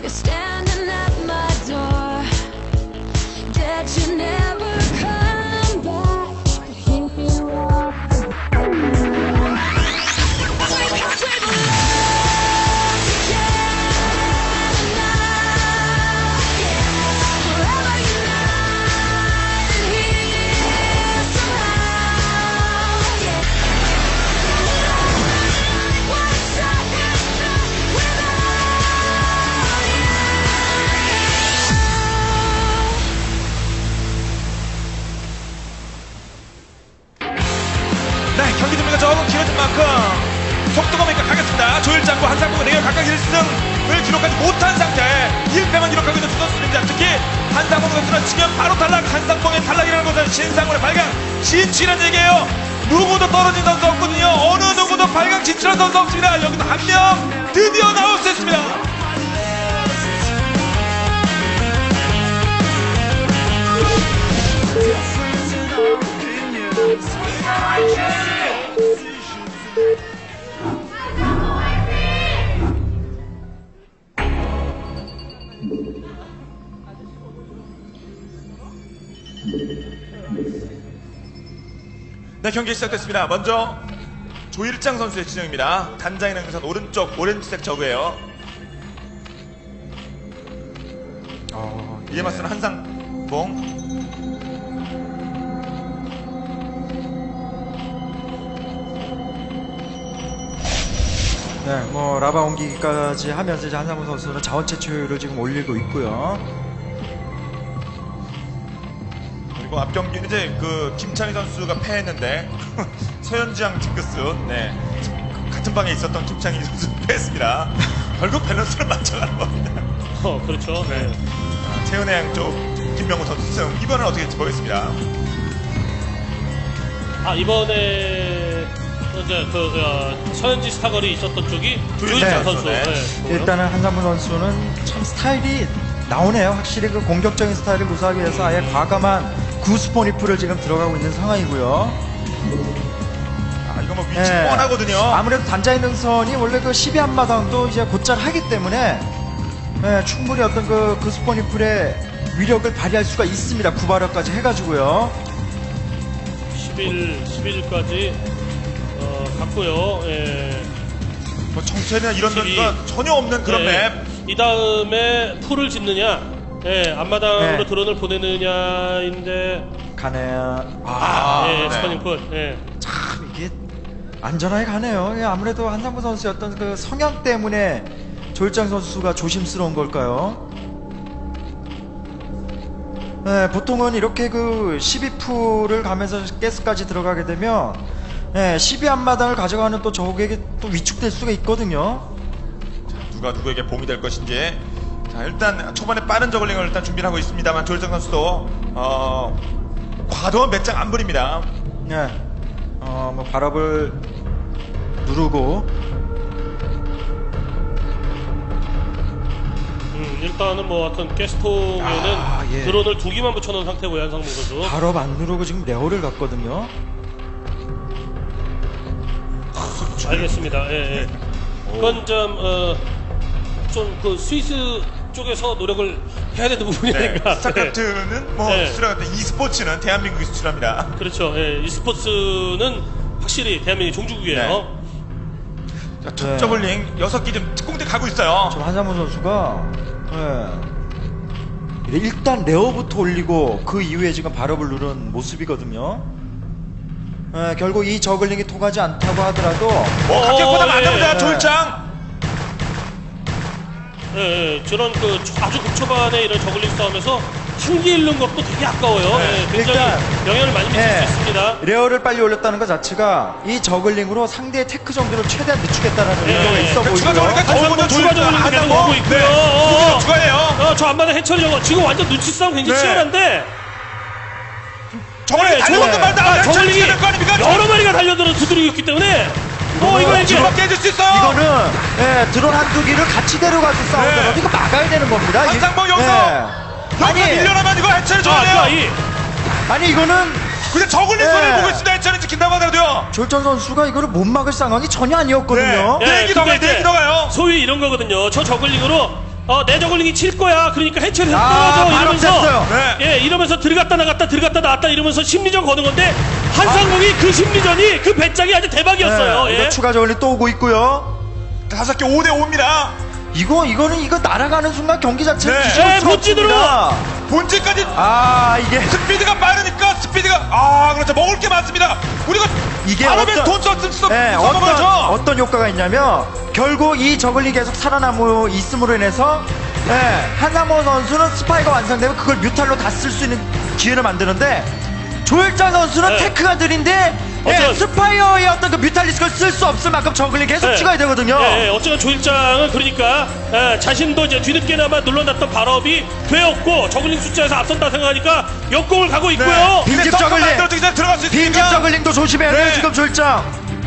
You're standing at my door. Did you never come back? Here you are. 네, 경기 준비가 조금 길어진 만큼 속도가 매니까 가겠습니다. 조일장과 한상봉은 내가 각각 1승을 기록하지 못한 상태 1패만 기록하고 있는 두 선수입니다. 특히 한상봉 선수는 지면 바로 탈락, 한상봉의 탈락이라는 것은 신상훈의 발강 진출이라는 얘기예요. 누구도 떨어진 선수 없거든요. 어느 누구도 발강 진출한 선수 없습니다. 여기서 한 명 드디어 나올 수 있습니다. 네, 경기 시작됐습니다. 먼저 조일장 선수의 진영입니다. 단장의 능선 오른쪽 오렌지색 저그예요. 이에 맞서는 한상봉. 네, 뭐 라바 옮기기까지 하면서 이제 한상봉 선수는 자원 채취율을 지금 올리고 있고요. 그리고 앞 경기는 이제 그 김창희 선수가 패했는데 서현지양 징크스, 네, 같은 방에 있었던 김창희 선수 패했습니다. 결국 밸런스를 맞춰가는 겁니다. 그렇죠. 네. 최은혜 양 쪽 김명우 선수 승. 이번은 어떻게 될지 보겠습니다. 이번에 이제 서현지 스타걸이 있었던 쪽이 조일장 선수. 네. 일단은 한상봉 선수는 참 스타일이 나오네요. 확실히 그 공격적인 스타일을 구사하기 위해서 아예 과감한 구스포니프를 지금 들어가고 있는 상황이고요. 이거 뭐 위치 뻔하거든요. 아무래도 단자의 능선이 원래 그 12한마당도 이제 곧잘 하기 때문에 충분히 어떤 그 구스포니프의 위력을 발휘할 수가 있습니다. 구발력까지 해가지고요. 11까지 갔고요. 예. 뭐 정찰이나 이런 변수가 전혀 없는 그런 맵. 이 다음에 풀을 짓느냐, 앞마당으로 드론을 보내느냐인데 가네요. 네. 스퍼닝 풀. 참 이게 안전하게 가네요. 아무래도 한상봉 선수의 어떤 그 성향 때문에 조일장 선수가 조심스러운 걸까요? 네, 보통은 이렇게 그 12풀을 가면서 가스까지 들어가게 되면 12한마당을 가져가는 또 적에게 또 위축될 수가 있거든요. 자, 누가 누구에게 봉이 될 것인지. 자, 일단 초반에 빠른 저글링을 일단 준비를 하고 있습니다만 조일장 선수도 과도한 배짱 안 부립니다. 네, 뭐 발업을 누르고 일단은 뭐 하여튼 가스통에는 드론을 2기만 붙여놓은 상태고요. 한상봉 선수 발업 안 누르고 지금 레어를 갔거든요. 알겠습니다. 그건 좀 그 스위스 쪽에서 노력을 해야 되는 부분이 아닌가. 스타크래프트는 뭐 수출하는데 e스포츠는 대한민국이 수출합니다. 그렇죠. e스포츠는 확실히 대한민국의 종주국이에요. 자, 첫 저글링 6기 좀 특공대 가고 있어요. 지금 한상봉 선수가 일단 레어부터 올리고 그 이후에 지금 발업을 누른 모습이거든요. 결국 이 저글링이 통하지 않다고 하더라도 각격보다 안 됩니다. 조일장. 저런 그 아주 극초반에 이런 저글링 싸움에서 한 개 잃는 것도 되게 아까워요. 굉장히 일단, 영향을 많이 미칠 수 있습니다. 레어를 빨리 올렸다는 것 자체가 이 저글링으로 상대의 테크 정도를 최대한 늦추겠다라는 의도가 있어 보이고요. 한상봉 추가 저글링 계속 오고 있고요. 추가해요. 저 앞마당 해처리 저거 지금 완전 눈치 싸움 굉장히 치열한데 저글링 달려오는 말다. 저글링이 여러 마리가 달려들어 두드리고 있기 때문에 이거 이제 깨질 수 있어요. 이거는 드론 한두 기를 같이 데려가서 싸우더라도 이거 막아야 되는 겁니다. 한상봉 여기서 밀려나면 이거 해체를 줘야 돼요. 아니 이거는 근데 저글링 손을 보고 있습니다. 해체를 지킨다고 하더라도요. 조일장 선수가 이거를 못 막을 상황이 전혀 아니었거든요. 내기 더 가요. 소위 이런 거거든요. 저 저글링으로 내 저글링이 칠 거야. 그러니까 해체를 해서 아, 떨어져 바로 이러면서 뺐어요. 네. 예, 이러면서 들어갔다 나갔다 이러면서 심리전 거는 건데 한상봉이 그 심리전이 그 배짱이 아주 대박이었어요. 네, 예. 이거 추가 저울링 또 오고 있고요. 5개 5대5입니다. 이거 날아가는 순간 경기 자체를 네. 뒤집을 네, 수가 본진으로! 없습니다. 본질까지 아, 이게 스피드가 빠르니까 그렇죠. 먹을 게 많습니다. 우리가 이게 바람에 어떤- 돈 썼을 수 네, 써먹어야죠. 어떤 효과가 있냐면 결국 이 저글링이 계속 살아남고 있음으로 인해서 한상모 선수는 스파이가 완성되면 그걸 뮤탈로 다 쓸 수 있는 기회를 만드는데 조일장 선수는 네. 테크가 느린데 어떤- 스파이어의 어떤 그 뮤탈리스크를 쓸 수 없을 만큼 저글링 계속 네. 찍어야 되거든요. 예, 어쨌든 조일장은 그러니까 자신도 이제 뒤늦게나마 눌러놨던 발업이 되었고 저글링 숫자에서 앞선다 생각하니까 역공을 가고 있고요. 네. 빈집 근데 덩크 저글링. 만들어지기 전에 들어갈 수 빈집 있으니까 저글링도 조심해야 돼요 네. 지금 조일장.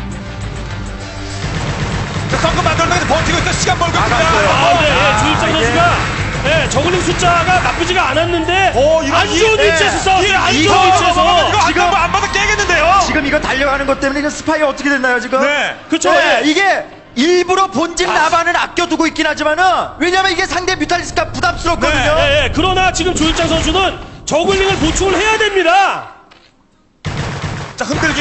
덩크 만들어지기 전에 버티고 있어. 시간 벌고 있습니다. 막았어요. 네, 조일장 이게- 선수가 저글링 숫자가 나쁘지가 않았는데 이런 안 좋은 이- 위치에서 싸웠어요. 안 이거- 좋은 위치에서. 이거 지금- 안 받아 깨겠는데요. 지금 이거 달려가는 것 때문에 이거 스파이어 어떻게 됐나요 지금? 네. 그쵸. 네, 예. 이게 일부러 본진 나반을 아껴두고 있긴 하지만은 왜냐면 이게 상대 뮤탈리스크가 부담스럽거든요. 네, 그러나 지금 조일장 선수는 저글링을 보충을 해야 됩니다. 자, 흔들기.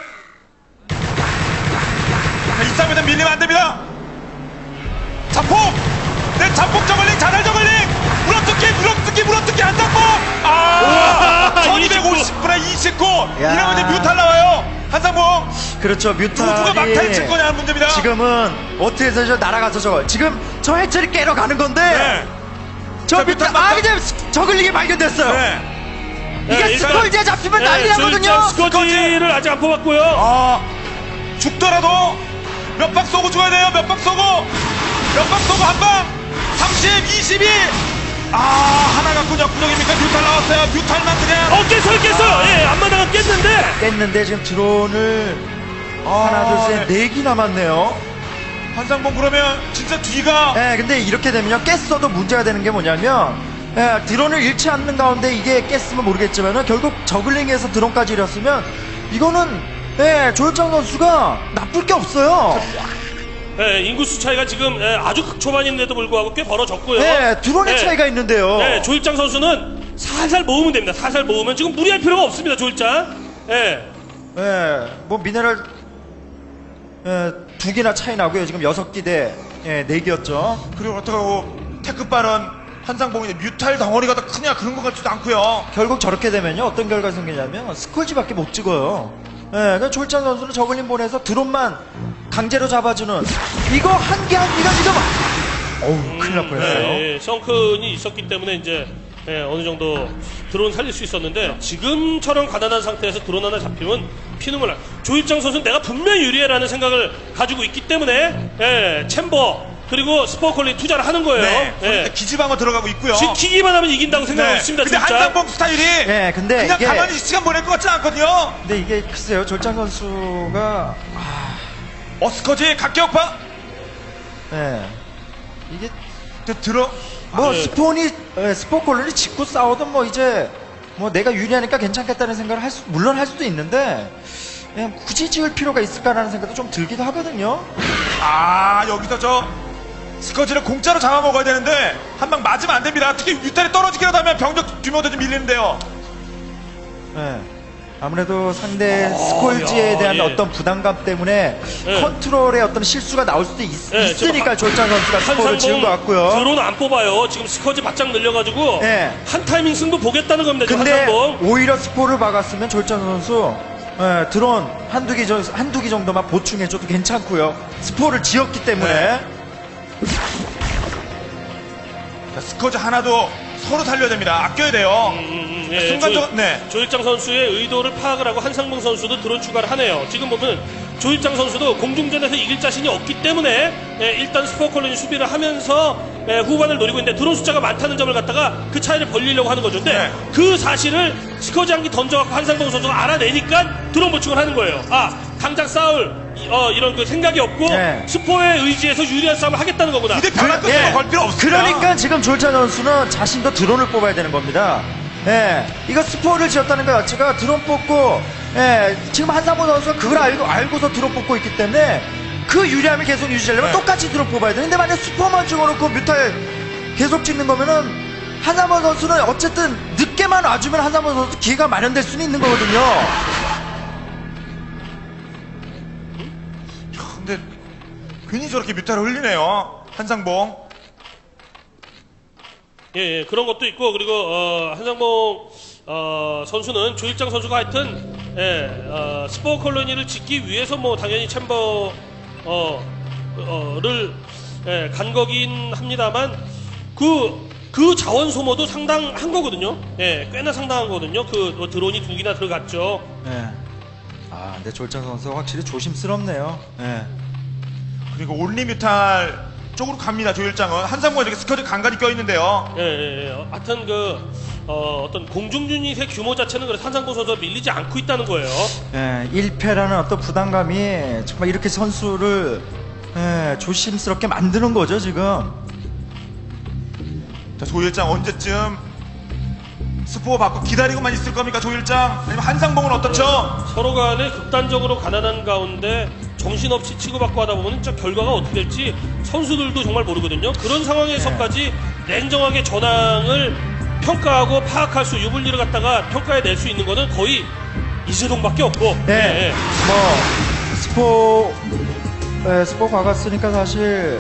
이 싸움에는 밀리면 안 됩니다. 자폭! 내 자폭 저글링, 자살 저글링! 물어뜯기, 한상봉! 우와, 1250분에 29! 야. 이러면 이제 뮤탈 나와요! 한상봉! 그렇죠. 누가 뮤탈이 막탈 칠 거냐는 문제입니다. 지금은 어떻게 해서 저 날아가서 저거 지금 저 해체를 깨러 가는 건데 네. 저 자, 뮤탈 뮤탈 이제 저글링이 발견됐어요. 네. 이게 일단- 스콜지에 잡히면 난리 나거든요. 조일장 스커지를 아직 안 뽑았고요. 죽더라도 몇 방 쏘고 죽어야 돼요. 몇 방 쏘고 한 방. 30, 22. 하나 갖고 역부족입니까? 뮤탈 나왔어요. 뮤탈만 그냥. 깼어요. 예, 앞마당은 깼는데. 깼는데 지금 드론을 하나 둘 셋 네. 4기 남았네요. 한상봉 그러면 진짜 뒤가. 네, 근데 이렇게 되면요 깼어도 문제가 되는 게 뭐냐면 드론을 잃지 않는 가운데 이게 깼으면 모르겠지만은 결국 저글링에서 드론까지 잃었으면 이거는 조일장 선수가 나쁠 게 없어요. 인구수 차이가 지금 아주 극초반인데도 불구하고 꽤 벌어졌고요. 드론의 차이가 있는데요. 조일장 선수는 살살 모으면 됩니다. 살살 모으면 지금 무리할 필요가 없습니다. 조일장. 뭐 미네랄 2개나 차이 나고요. 지금 6기 대 4개였죠. 그리고 어떡하고 테크 빠른 한상봉인데 뮤탈 덩어리가 더 크냐 그런 것 같지도 않고요. 결국 저렇게 되면요 어떤 결과가 생기냐면 스콜지밖에 못 찍어요. 그러니까 조일장 선수는 저글링 보내서 드론만 강제로 잡아주는 이거 한 개가 지금 큰일 날 뻔했어요. 성큰이 있었기 때문에 이제 어느 정도 드론 살릴 수 있었는데 지금처럼 가난한 상태에서 드론 하나 잡히면 피눈물 나. 조일장 선수는 내가 분명히 유리해라는 생각을 가지고 있기 때문에 챔버 그리고 스포컬링 투자를 하는 거예요. 네. 기지방어 들어가고 있고요. 지키기만 하면 이긴다고 생각하고 있습니다. 근데 조일장. 한상봉 스타일이 근데 그냥 이게 가만히 시간 보낼 것 같지는 않거든요. 근데 이게 글쎄요 조일장 선수가 어스커지 각격파. 이게 들어. 뭐 네. 스포콜론이 짓고 싸워도 뭐 이제 뭐 내가 유리하니까 괜찮겠다는 생각을 물론 할 수도 있는데 그냥 굳이 지을 필요가 있을까라는 생각도 좀 들기도 하거든요. 여기서 저 스커지를 공짜로 잡아먹어야 되는데 한 방 맞으면 안 됩니다. 특히 뮤탈이 떨어지기라도 하면 병력 규모도 좀 밀리는데요. 아무래도 상대 스콜지에 대한 예. 어떤 부담감 때문에 컨트롤의 어떤 실수가 나올 수도 있으니까 조일장 선수가 스포를 지은 것 같고요. 드론 안 뽑아요. 지금 스커지 바짝 늘려가지고 한 타이밍 승부 보겠다는 겁니다. 지금 근데 한상봉. 오히려 스포를 박았으면 조일장 선수 드론 한두 기 정도만 보충해줘도 괜찮고요. 스포를 지었기 때문에 스커지 하나도 서로 살려야 됩니다. 아껴야 돼요. 순간적으로 조일장 선수의 의도를 파악을 하고 한상봉 선수도 드론 추가를 하네요. 지금 보면 조일장 선수도 공중전에서 이길 자신이 없기 때문에 일단 스포컬론이 수비를 하면서 후반을 노리고 있는데 드론 숫자가 많다는 점을 갖다가 그 차이를 벌리려고 하는 거죠. 근데 그 사실을 스커지 한 기 던져갖고 한상봉 선수가 알아내니까 드론 보충을 하는 거예요. 당장 싸울 이런 그 생각이 없고 스포의 의지에서 유리한 싸움을 하겠다는 거구나. 근데 변화 끝으로 걸 필요 없습니다. 그러니까 지금 조일장 선수는 자신도 드론을 뽑아야 되는 겁니다. 이거 스포를 지었다는 것 자체가 드론 뽑고 지금 한상봉 선수가 그걸 알고서 드론 뽑고 있기 때문에 그 유리함을 계속 유지하려면 똑같이 드론 뽑아야 되는데 만약 스포만 찍어놓고 뮤탈 계속 찍는 거면은 한상범 선수는 어쨌든 늦게만 와주면 한상범 선수 기회가 마련될 수는 있는 거거든요. 근데 괜히 저렇게 뮤타를 흘리네요. 한상봉. 예, 그런 것도 있고 그리고 한상봉 선수는 조일장 선수가 하여튼 스포 콜로니를 짓기 위해서 뭐 당연히 챔버를 간 거긴 합니다만 그 자원 소모도 상당한 거거든요. 예, 꽤나 상당한 거거든요. 그 드론이 2기나 들어갔죠. 네. 아, 근데 조일장 선수 확실히 조심스럽네요. 네. 그리고 온리 뮤탈 쪽으로 갑니다. 조일장은 한상봉이 이렇게 스커지 간간히 껴있는데요. 하여튼 어떤 공중 유닛의 규모 자체는 그래서 한상봉 선수가 밀리지 않고 있다는 거예요. 1패라는 어떤 부담감이 정말 이렇게 선수를 조심스럽게 만드는 거죠, 지금. 자, 조일장 언제쯤 스포 받고 기다리고만 있을 겁니까? 조일장? 아니면 한상봉은 어떻죠? 서로 간에 극단적으로 가난한 가운데 정신없이 치고받고 하다 보면 진짜 결과가 어떻게 될지 선수들도 정말 모르거든요. 그런 상황에서까지 냉정하게 전황을 평가하고 파악할 수, 유불리를 갖다가 평가해낼 수 있는 거는 거의 이재동밖에 없고. 뭐 스포 박았으니까 사실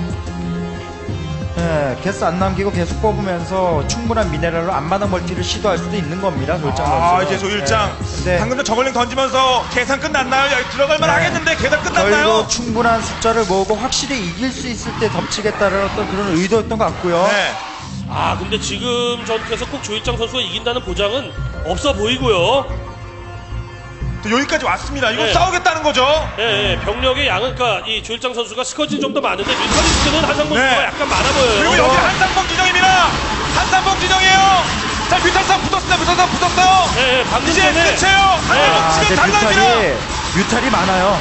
개수 안 남기고 계속 뽑으면서 충분한 미네랄로 앞마당 멀티를 시도할 수도 있는 겁니다. 조일장 선수. 이제 조일장. 네. 방금 전 저걸링 던지면서 계산 끝났나요? 여기 들어갈만 하겠는데 계산 끝났나요? 결국 충분한 숫자를 모으고 확실히 이길 수 있을 때 덮치겠다는 어떤 그런 의도였던 것 같고요. 네. 근데 지금 전투에서 꼭 조일장 선수가 이긴다는 보장은 없어 보이고요. 또 여기까지 왔습니다. 이거 네. 싸우겠다는 거죠? 병력의 양은, 그러니까 이 조일장 선수가 스커지 좀 더 많은데 뮤탈리스트는 한상봉 선수가 약간 많아 보여요. 그리고 여기 한상봉 지정입니다. 한상봉 지정이에요. 자, 뮤탈상 붙었어요. 방금 이제 전에 끝이에요. 한상봉 지금 달라집니다. 뮤탈이 많아요.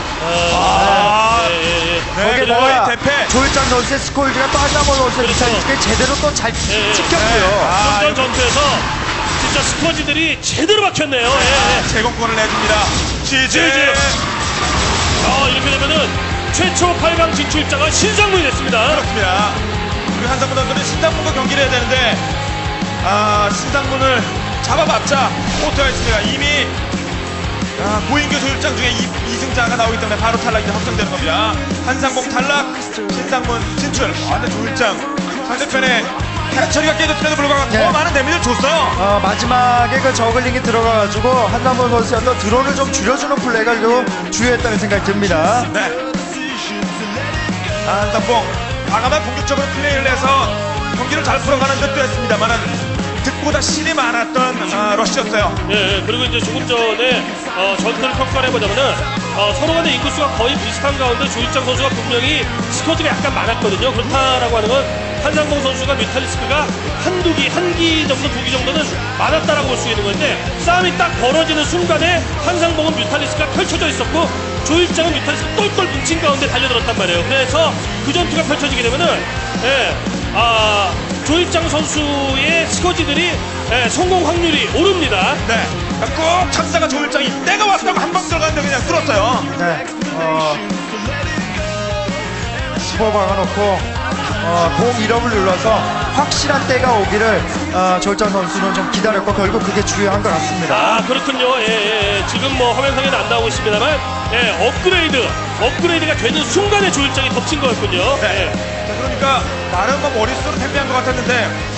거기다가 대패. 조일장 선수의 스콜지가 또 한상범 선수의 그렇죠. 뮤탈이 제대로 또 잘 찍혔고요. 전 전투에서 진짜 스커지들이 제대로 박혔네요. 제공권을 내줍니다. 지지. 이렇게 되면은 최초 8강 진출자가 신상문이 됐습니다. 그렇습니다. 그리고 한상문 선수는 신상문과 경기를 해야 되는데 신상문을 잡아봤자 오토가 있습니다. 이미 고인규 조일장 중에 2승자가 나오기 때문에 바로 탈락이 확정되는 겁니다. 한상봉 탈락, 신상문 진출. 근데 조일장 상대편에 해처리가 깨졌음에도 불구하고 더 많은 데미지를 줬어요. 마지막에 그 저글링이 들어가가지고 한상범 선수의 어떤 드론을 좀 줄여주는 플레이가 좀 주요했다는 생각이 듭니다. 네. 한상봉 과감한 공격적으로 플레이를 해서 경기를 잘 풀어가는 듯도 했습니다만 득보다 실이 많았던 러시였어요. 그리고 이제 조금 전에 전투를 평가를 해보자면은 서로 간의 인구수가 거의 비슷한 가운데 조일장 선수가 분명히 스쿼드가 약간 많았거든요. 그렇다라고 하는 건 한상봉 선수가 뮤탈리스크가 한 기 정도, 2기 정도는 많았다라고 볼 수 있는 건데 싸움이 딱 벌어지는 순간에 한상봉은 뮤탈리스크가 펼쳐져 있었고 조일장은 뮤탈리스크 똘똘 뭉친 가운데 달려들었단 말이에요. 그래서 그 전투가 펼쳐지게 되면은 조일장 선수의 스쿼지들이 성공 확률이 오릅니다. 네. 꼭 착사가 조일장이 때가 왔다고 한 방 들어갔는데 그냥 뚫었어요. 네. 스포 박아놓고 공 1업을 눌러서 확실한 때가 오기를 조일장 선수는 좀 기다렸고 결국 그게 중요한 것 같습니다. 그렇군요. 지금 뭐 화면상에는 안 나오고 있습니다만 업그레이드가 되는 순간에 조일장이 덮친 거였군요. 자, 그러니까 나름 머릿수로 템배한 것 같았는데